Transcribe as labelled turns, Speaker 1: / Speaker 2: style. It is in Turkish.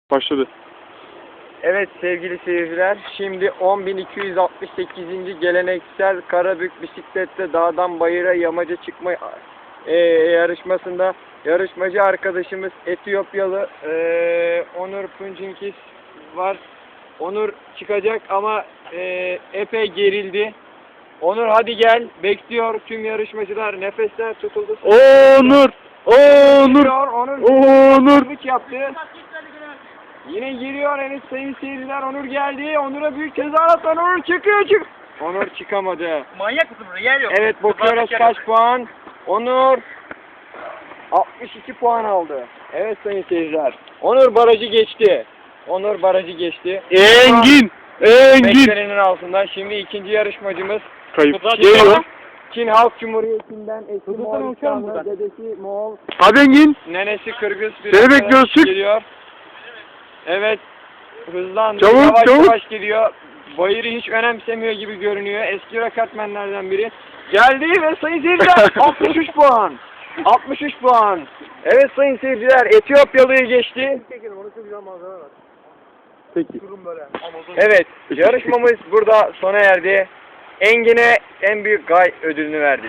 Speaker 1: Başladı.
Speaker 2: Evet sevgili seyirciler, şimdi 10.268. geleneksel Karabük bisiklette dağdan bayıra yamaca çıkma yarışmasında yarışmacı arkadaşımız Etiyopyalı Onur Punjinkis var. Onur çıkacak ama epey gerildi. Onur hadi gel, bekliyor tüm yarışmacılar, nefesler tutuldu.
Speaker 1: Onur! Onur! Onur!
Speaker 2: Kırgıç yaptı. Yine giriyor henüz sayın seyirciler. Onur geldi. Onur'a büyük tezahürat. Onur çıkıyor. Onur çıkamadı.
Speaker 3: Manyak mısın buraya? Yer yok.
Speaker 2: Evet bakıyoruz kaç puan. Onur 62 puan aldı. Evet sayın seyirciler. Onur barajı geçti. Onur barajı geçti.
Speaker 1: Engin! Engin!
Speaker 2: Beklenenin altından. Şimdi ikinci yarışmacımız
Speaker 1: Kayıp. Geliyor.
Speaker 2: Çin Halk Cumhuriyeti'nden eski
Speaker 3: Kıbrıs'tan uçar mı
Speaker 2: Moğolistanlı,
Speaker 3: buradan?
Speaker 2: dedesi Moğol,
Speaker 1: Hadi Engin!
Speaker 2: nenesi Kırgız bir
Speaker 1: Seni
Speaker 2: arkadaş
Speaker 1: bekliyoruz, çık.
Speaker 2: geliyor. Evet, hızlandı,
Speaker 1: Çabuk,
Speaker 2: yavaş
Speaker 1: çabuk.
Speaker 2: yavaş gidiyor. Bayırı hiç önemsemiyor gibi görünüyor. Eski rakatmenlerden biri. Geldi ve sayın seyirciler 63 puan. 63 puan. Evet sayın seyirciler, Etiyopyalı'yı geçti.
Speaker 1: Peki.
Speaker 2: Evet, yarışmamız burada sona erdi. Engin'e en büyük gay ödülünü verdik.